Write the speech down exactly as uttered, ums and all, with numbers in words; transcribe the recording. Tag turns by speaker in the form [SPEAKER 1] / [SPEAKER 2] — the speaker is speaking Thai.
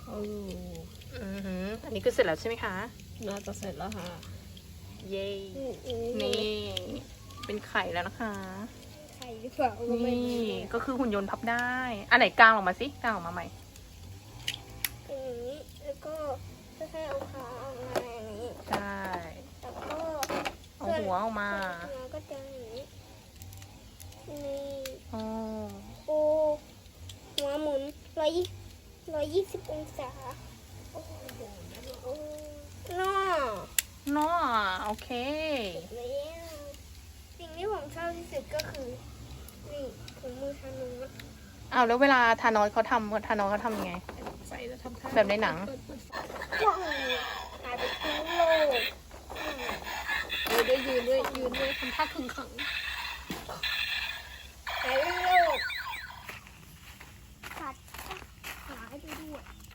[SPEAKER 1] โอ้
[SPEAKER 2] อือหืออันนี้คือเสร็จแล้วใช่ไหมคะ
[SPEAKER 1] น่าจะเสร็จแล้วค่ะ
[SPEAKER 2] เย้นี่เป็นไข่แล้วนะคะ
[SPEAKER 3] ไข่หรือเปล่าก็ไม่
[SPEAKER 2] นี่
[SPEAKER 3] รู้
[SPEAKER 2] ก็คือหุ่นยนต์พับได้ อันไหนกลางออกมาสิกลางออกมาใหม่
[SPEAKER 3] อย่างนี้แล้วก็ค่อยๆเอาขาออกมาอย่างนี้
[SPEAKER 2] ใช่
[SPEAKER 3] แล้วก็
[SPEAKER 2] เอาหัวออกมา
[SPEAKER 3] หัวก็จะอย่างนี้นี่
[SPEAKER 2] อ๋อ
[SPEAKER 3] โอ้หัวหมุนร้อยยี่ร้อยยี่สิบองศาโอ้โหน่า
[SPEAKER 2] เนาะโอเค
[SPEAKER 3] แล้วสิ่งที่ผมชอบที่สุดก็คือนี่ถุงมือทานุส
[SPEAKER 2] อ้าวแล้วเวลาทานอสเขาทำทานอสเขาทำยังไง
[SPEAKER 1] ใส่แล้วทำท่า
[SPEAKER 2] แบบในหนัง
[SPEAKER 3] ว้าวหายไปทั้งโลก
[SPEAKER 1] ยืนด้วยยืนด้วยยืนด้วยทำท่าขึงขัง
[SPEAKER 3] หายไปเล